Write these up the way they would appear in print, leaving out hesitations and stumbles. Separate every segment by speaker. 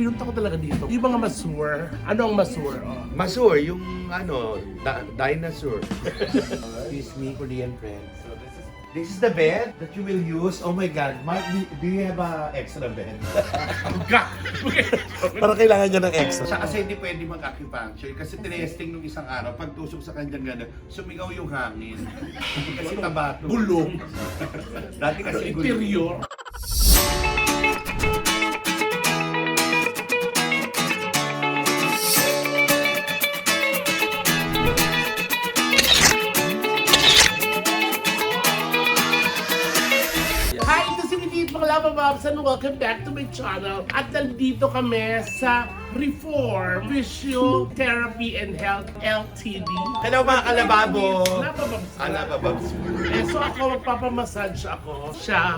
Speaker 1: pinunta ko talaga dito. Yung mga masseur. Ano ang masseur? Oh.
Speaker 2: Masseur, yung dinosaur. Excuse me, Korean friend. This is the bed that you will use. Oh my God, Mark, do you have a extra bed?
Speaker 3: Para kailangan niya ng extra.
Speaker 4: Siya kasi hindi pwede mag-acupuncture kasi tinesting nung isang araw, pag tusok sa kanyang gano'n, sumigaw yung hangin. Kasi tabato.
Speaker 1: Bulong.
Speaker 4: Dati kasi
Speaker 1: Interior. Hi, ito si Minit Makalapa Babs and welcome back to my channel. At nandito kami sa Reform Physiotherapy and Health LTD.
Speaker 2: Hello mga kalababo!
Speaker 1: Napababs.
Speaker 2: Alabababs.
Speaker 1: So ako magpapamassage ako. Siya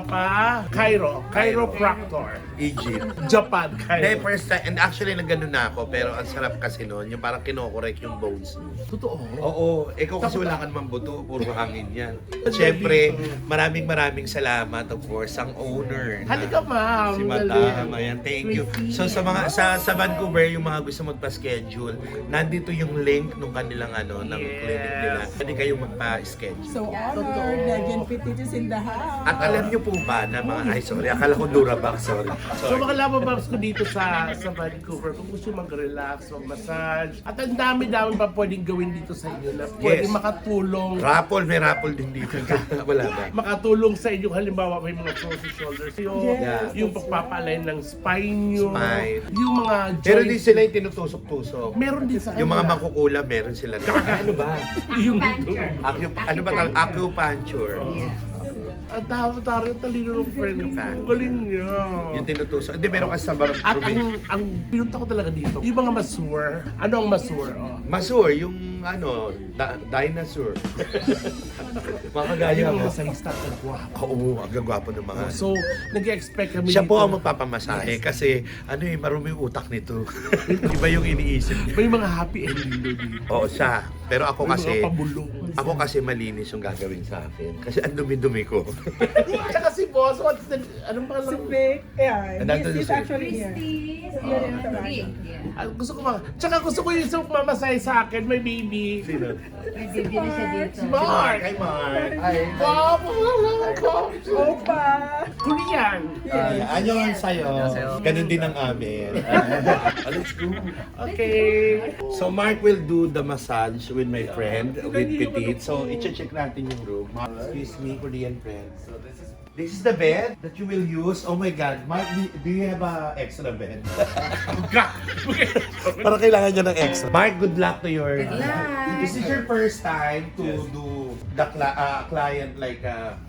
Speaker 1: chiropractor.
Speaker 2: Egypt.
Speaker 1: Japan,
Speaker 2: Hindi,
Speaker 1: Cairo.
Speaker 2: first time, and actually nagganon na ako, pero ang sarap kasi noon, yung parang kinokorek yung bones mo.
Speaker 1: Totoo.
Speaker 2: Oo, ikaw kasi wala ka namang buto, puro hangin yan. Siyempre, maraming salamat of course, ang owner.
Speaker 1: Halika ma'am.
Speaker 2: Si Madam, ayan, thank you. So sa mga sa Vancouver, yung mga gusto magpa-schedule, nandito yung link nung kanilang ng clinic nila. Pwede kayong magpa-schedule.
Speaker 5: So honored, Jen Petit is in the house.
Speaker 2: At alam niyo po ba na mga, ay sorry, akala ko Durabox, sorry.
Speaker 1: So mga labababs ko dito sa Vancouver, kung gusto mag-relax, mag-massage, at ang dami-dami pa pwedeng gawin dito sa inyo na pwedeng
Speaker 2: Yes.
Speaker 1: makatulong.
Speaker 2: Raffle, may raffle din dito. Wala ba?
Speaker 1: Makatulong sa inyo, halimbawa may mga frozen shoulders yun,
Speaker 5: Yes.
Speaker 1: yung pagpapalay ng spine nyo,
Speaker 2: Spine.
Speaker 1: yung mga
Speaker 2: Meron din
Speaker 1: joints.
Speaker 2: sila yung tinutusok-tusok.
Speaker 1: Meron din sa kanila.
Speaker 2: Yung mga mangkukula, meron sila. Ano ba?
Speaker 1: Yung
Speaker 2: Ano ba tawag? Acupuncture.
Speaker 1: ang tawag talino ng friend ko. Galing niya.
Speaker 2: Yung tinutusok. Hindi, meron kasi sa barang
Speaker 1: At
Speaker 2: probinsya.
Speaker 1: ang pinunta ko talaga dito, yung mga masseur. Ano ang masseur? Oh.
Speaker 2: Masseur, yung dinosaur. Makagaya
Speaker 1: Yung
Speaker 2: mo.
Speaker 1: mga masahista at guwapo.
Speaker 2: Oo, ang gagwapo ng mga.
Speaker 1: So, nag-expect kami
Speaker 2: Siya
Speaker 1: dito.
Speaker 2: po ang magpapamasahe kasi marumi yung utak nito. Iba yung iniisip niya.
Speaker 1: May mga happy ending doon dito.
Speaker 2: Oo, siya. Pero ako
Speaker 1: May
Speaker 2: kasi,
Speaker 1: mga pabulong.
Speaker 2: ako kasi malinis yung gagawin sa akin. Kasi ang dumi-dumi ko.
Speaker 1: Tsaka si boss, what's the, anong
Speaker 5: Si
Speaker 1: pangalan?
Speaker 5: Vic, yeah,
Speaker 2: Nandun
Speaker 5: he's
Speaker 2: si-
Speaker 5: actually here.
Speaker 6: Christy.
Speaker 1: Gusto ko tsaka gusto ko yung isang mamasahe sa akin, may baby.
Speaker 2: Sino?
Speaker 6: May bibili siya dito.
Speaker 1: Si Mark!
Speaker 2: Hi, Mark.
Speaker 1: Wow,
Speaker 5: Opa!
Speaker 1: Korean!
Speaker 2: Anyon sa'yo. Ganun din ang amin. Let's go.
Speaker 1: Okay.
Speaker 2: So Mark will do the massage with my friend, with Petit. So i-check natin yung room. Excuse me, Korean friend. So this is the bed that you will use. Oh my God, Mark, do you have a extra bed?
Speaker 3: Para kailangan niya ng extra.
Speaker 2: Mark, good luck to your...
Speaker 6: Good luck.
Speaker 2: This is your first time to do the client like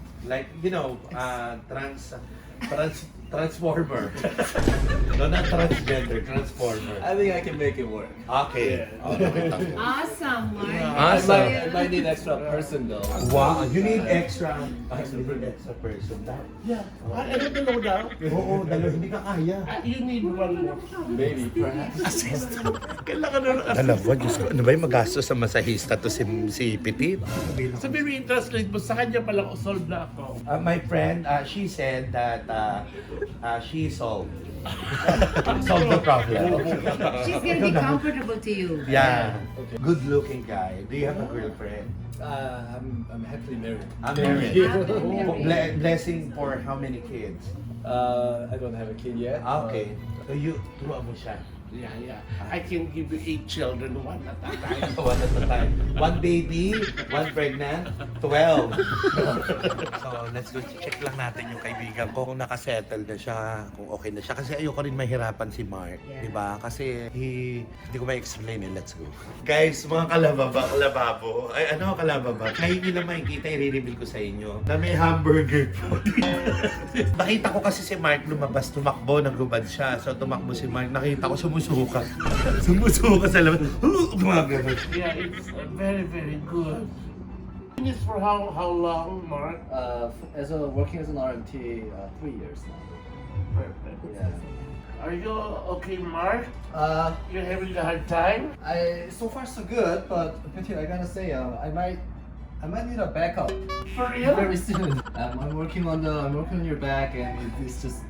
Speaker 2: transformer. No, not transgender, transformer.
Speaker 7: I think I can make it work.
Speaker 2: Okay.
Speaker 6: Awesome, Mark.
Speaker 2: Awesome.
Speaker 7: I might need extra person though.
Speaker 2: Wow, you need extra. You need extra person.
Speaker 1: Yeah. Ano dalawa daw?
Speaker 2: Oo, dalawa hindi ka kaya.
Speaker 1: You need one more.
Speaker 7: Maybe, perhaps.
Speaker 1: Kailangan na ng
Speaker 2: Alam mo, Diyos ko, ano ba yung magastos sa masahista to si Petit?
Speaker 1: Sabi mo i-translate mo, sa kanya palang solve na ako.
Speaker 2: My friend, she said that she solved. Solved the problem.
Speaker 6: She's gonna be comfortable to you.
Speaker 2: Yeah. Good looking guy. Do you have a girlfriend?
Speaker 7: I'm happily married.
Speaker 2: I'm married.
Speaker 6: Happy.
Speaker 2: Blessing for how many kids?
Speaker 7: I don't have a kid yet.
Speaker 2: Okay. So turuan mo siya.
Speaker 1: Yeah. I can give you 8 children, one at a time.
Speaker 2: One at a time. One baby, one pregnant, 12. So, let's go check lang natin yung kaibigan ko kung nakasettle na siya, kung okay na siya. Kasi ayoko rin mahirapan si Mark,
Speaker 6: Yeah.
Speaker 2: di ba? Kasi hindi ko ma-explain eh. Let's go. Guys, mga kalababo. Ay, ano kalababa? Ngayon nyo lang makikita, i-reveal ko sa inyo na may hamburger po. Nakita ko kasi si Mark lumabas, tumakbo, naghubad siya. So, tumakbo si Mark. Nakita ko sumusuka. Sumusuka sa labas. Gumagano.
Speaker 1: Yeah, it's very, very good. This for how long, Mark?
Speaker 7: Working as an RMT, 3 years now.
Speaker 1: Perfect.
Speaker 7: Yeah.
Speaker 1: Are you okay, Mark? You're having a hard time?
Speaker 7: So far so good, but Petit, I gotta say, I might need a backup
Speaker 1: For real?
Speaker 7: very soon. I'm working on your back, and it's just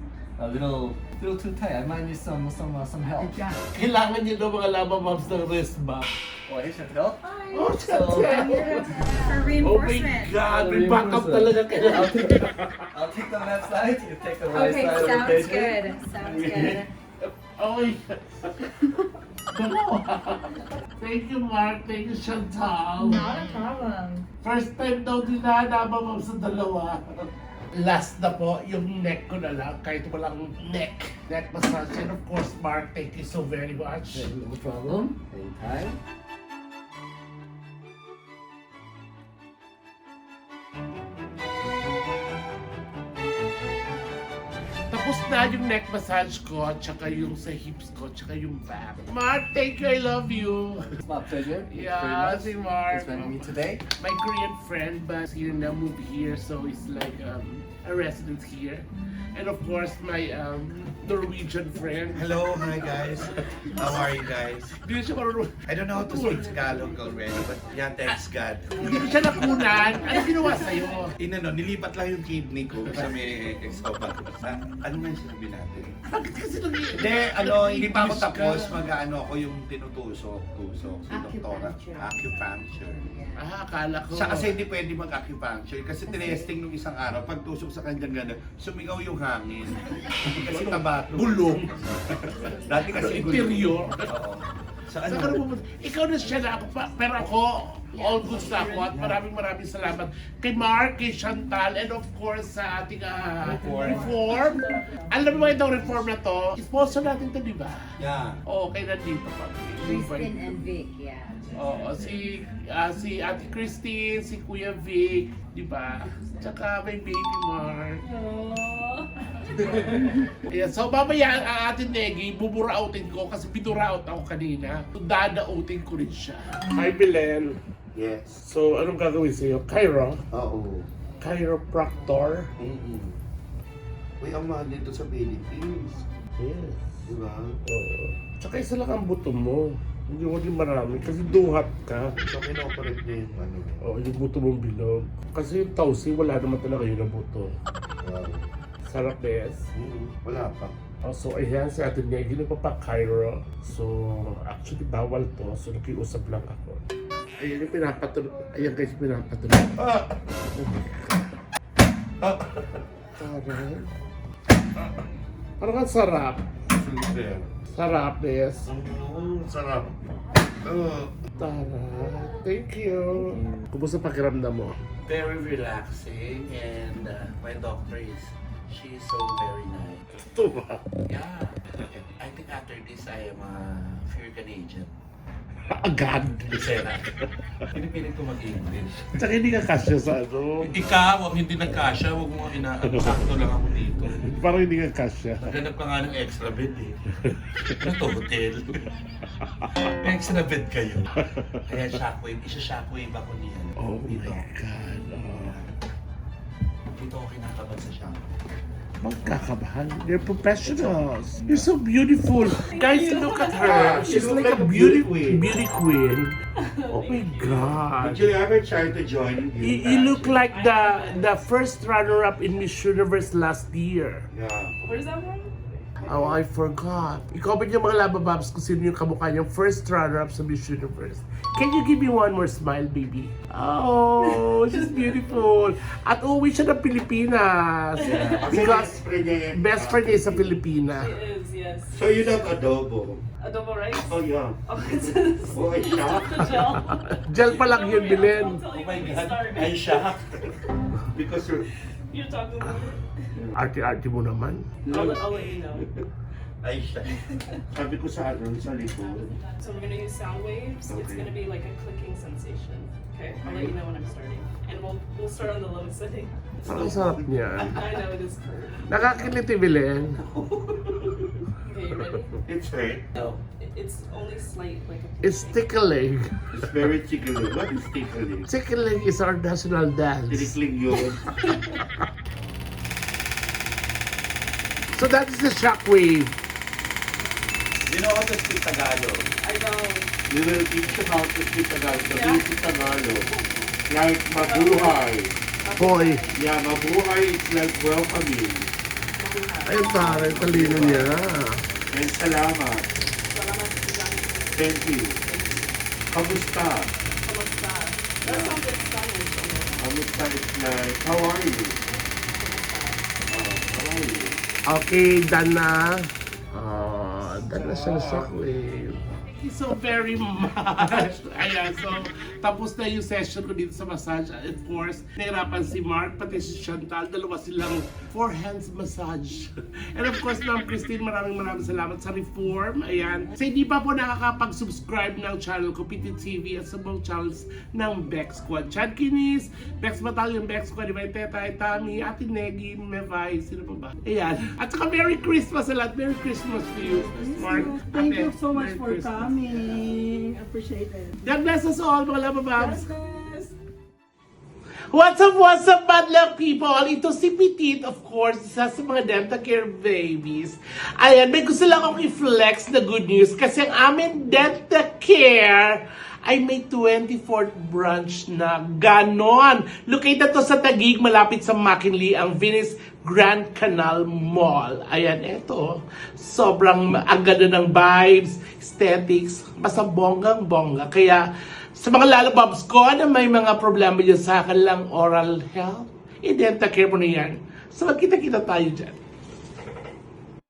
Speaker 7: a little too tight. I might need some help.
Speaker 1: Kailangan niyo daw mga lava moms ng wrist back.
Speaker 7: Oh, hey, Chantel.
Speaker 1: Oh,
Speaker 7: So,
Speaker 6: For
Speaker 1: Oh my
Speaker 6: reinforcement.
Speaker 1: God, may backup talaga kailangan.
Speaker 7: I'll take the left side. You take the right
Speaker 6: Okay,
Speaker 7: side.
Speaker 6: sounds
Speaker 7: rotation.
Speaker 6: good. Sounds good.
Speaker 1: Okay. Thank you, Mark. Thank you, Chantal.
Speaker 6: Not a problem.
Speaker 1: First time daw nila nabamam sa dalawa. Last na po, yung neck ko na lang, kahit walang neck massage. And of course, Mark, thank you so very much.
Speaker 7: No problem. Anytime.
Speaker 1: Tapos na yung neck massage ko, tsaka yung sa hips ko, tsaka yung back. Mark, thank you, I love you.
Speaker 7: It's my pleasure.
Speaker 1: Yeah, si Mark.
Speaker 7: It's been me today.
Speaker 1: My Korean friend, but here now moved here, so it's like a resident here. And of course, my Norwegian friend.
Speaker 2: Hello, hi guys. How are you guys?
Speaker 1: Hindi siya marunong.
Speaker 2: I don't know how to speak Tagalog already, but yeah, thanks God.
Speaker 1: Hindi siya nakunan. Ano ginawa sa'yo?
Speaker 2: Nilipat lang yung kidney ko sa may esophagus. Ano nga yung sinabi natin?
Speaker 1: Bakit kasi nag
Speaker 2: Hindi pa ako tapos mag-ano ako yung tinutusok si doktora.
Speaker 6: Acupuncture.
Speaker 2: Acupuncture.
Speaker 1: Akala ko.
Speaker 2: Siya kasi hindi pwede mag-acupuncture kasi tinesting nung isang araw, pag tusok sa kanyang gano'n, sumigaw yung hangin. Kasi taba.
Speaker 1: Bulong.
Speaker 2: Dati kasi
Speaker 1: Interior.
Speaker 2: Oo. Sa
Speaker 1: Saan ka na pumunta? Ikaw na siya na ako pa. Pero ako, all good na ako at maraming salamat kay Mark, kay Chantal, and of course sa ating reform. Alam mo ba itong reform na to? Sponsor natin to, di ba?
Speaker 2: Yeah.
Speaker 1: Oo, kay nandito pa.
Speaker 6: Kristen and Vic, yeah.
Speaker 1: Oo, si Ate Christine, si Kuya Vic, di ba? Tsaka may baby Mark. Yeah, so mamaya ang ating Negi, bubura-outin ko kasi binura-out ako kanina. So dada-outin ko rin siya. Hi Belen.
Speaker 2: Yes.
Speaker 1: So anong gagawin sa'yo? Cairo?
Speaker 2: Oo.
Speaker 1: Chiropractor?
Speaker 2: Uy, ang mahal dito sa Philippines.
Speaker 1: Yes.
Speaker 2: Di ba?
Speaker 1: Oo. Tsaka isa lang ang buto mo. Hindi mo din marami kasi duhat ka.
Speaker 2: So, kinoperate niya yung ano.
Speaker 1: Oo, yung buto mong bilog. Kasi yung tausi, wala naman talaga yun ang buto.
Speaker 2: Wow.
Speaker 1: Sarap, Bes.
Speaker 2: Wala pa.
Speaker 1: Oh, so ayan si Ate Negi, nagpapa-Cairo. So actually bawal to, so nakiusap lang ako. Ayan yung pinapatuloy. Ayan guys, pinapatuloy. Taray. Parang ang sarap.
Speaker 2: Super.
Speaker 1: Sarap, Bes.
Speaker 2: Sarap.
Speaker 1: Taray. Thank you. Kumusta pakiramdam mo?
Speaker 2: Very relaxing and my doctor she's so very nice.
Speaker 1: Ito ba?
Speaker 2: Yeah. I think after this I am a pure Canadian.
Speaker 1: Agad.
Speaker 2: Lisera. Pinipilit ko mag-English.
Speaker 1: Tsaka hindi ka kasya sa ano.
Speaker 2: Ikaw, hindi nagkasya, huwag mo inaano. Sakto lang ako dito.
Speaker 1: Parang hindi ka kasya.
Speaker 2: Naghanap ka nga ng extra bed eh. Ano to, hotel? May extra bed kayo. Kaya shockwave, isa-shockwave ako niyan.
Speaker 1: Oh
Speaker 2: Dito.
Speaker 1: my God. Oh.
Speaker 2: Dito ako kinakabahan sa shockwave.
Speaker 1: Magkakabahan. They're professionals. You're so beautiful. Guys, look at her. She's like a beauty queen. Oh my God.
Speaker 2: Did you ever try to join?
Speaker 1: You look like the first runner-up in Miss Universe last year.
Speaker 2: Yeah.
Speaker 5: Where's that from?
Speaker 1: Oh, I forgot. I-comment yung mga labababs kung sino yung kamukha niyang first runner-up sa Miss Universe. Can you give me one more smile, baby? Oh, she's beautiful. At uuwi siya ng Pilipinas. Because best friend niya is sa Pilipinas.
Speaker 5: It is, yes.
Speaker 2: So you love adobo?
Speaker 5: Adobo rice?
Speaker 2: Oh yeah.
Speaker 5: Oh, it's
Speaker 2: Oh, I shocked.
Speaker 5: the gel.
Speaker 1: Gel pa lang yun, Bilen.
Speaker 5: Don't tell
Speaker 2: Oh
Speaker 5: you
Speaker 2: my
Speaker 5: when you
Speaker 2: God,
Speaker 5: start.
Speaker 2: I shocked. Because
Speaker 5: You're talking about it.
Speaker 1: Arte-arte mo naman.
Speaker 5: I'll let you know.
Speaker 2: I shocked. Sabi ko sa ano, sa likod.
Speaker 5: So we're gonna use sound waves. It's
Speaker 2: Okay.
Speaker 5: gonna be like a clicking sensation. Okay, I'll let you know when I'm starting. And we'll start on the lowest setting.
Speaker 1: Ang sarap niya.
Speaker 5: I know it is cold.
Speaker 1: Nakakiliti, Bilen.
Speaker 5: Okay, you ready?
Speaker 2: It's hurt.
Speaker 5: No, it's only slight, like a
Speaker 1: It's tickling.
Speaker 2: It's very tickling. What is tickling?
Speaker 1: Tickling is our national dance.
Speaker 2: Tinikling yun.
Speaker 1: So that is the shockwave.
Speaker 2: You know how to speak Tagalog?
Speaker 5: I don't.
Speaker 2: We will teach you how to speak Tagalog. The
Speaker 5: Yeah.
Speaker 2: basic Tagalog. Like mabuhay.
Speaker 1: Hoy.
Speaker 2: Yeah, mabuhay is like welcoming.
Speaker 1: Ay, pare, talino niya.
Speaker 4: And salamat.
Speaker 5: Salamat sa
Speaker 4: Thank you. Kamusta?
Speaker 5: Kamusta? That sounds like Spanish.
Speaker 4: Kamusta is like, how are you? How are you?
Speaker 1: Okay, done na. Done na siya na shockwave. Thank you so very much. Ayan, so tapos na yung session ko dito sa massage. Of course, nahirapan si Mark, pati si Chantal. Dalawa silang 4 hands massage. And of course, Ma'am Christine, maraming salamat sa reform. Ayan. Sa hindi pa po nakakapag-subscribe ng channel ko, PT TV, at sa mga channels ng Bex Squad. Chad Kinis, Bex Battalion, Bex Squad, Divine Tetay, Tami, Ate Negi, Mevay, sino pa ba? Ayan. At saka Merry Christmas sa lahat. Merry Christmas to you, Mark.
Speaker 8: Thank
Speaker 1: Ate,
Speaker 8: you so much
Speaker 1: Merry
Speaker 8: for
Speaker 1: Christmas.
Speaker 8: coming. Appreciate it.
Speaker 1: God bless us all, mga labababs.
Speaker 8: Yes.
Speaker 1: What's up, bad luck people? Ito si Petit, of course, isa sa mga dental care babies. Ayan, may gusto lang akong i-flex na good news kasi ang aming dental care ay may 24th branch na ganon. Located to sa Taguig, malapit sa McKinley, ang Venice Grand Canal Mall. Ayan, eto. Sobrang ang ganda ng vibes, aesthetics, basta bonggang-bongga. Kaya sa mga lalababs ko na may mga problema dyan sa kanilang oral health, i-dental care mo na yan. So magkita-kita tayo dyan.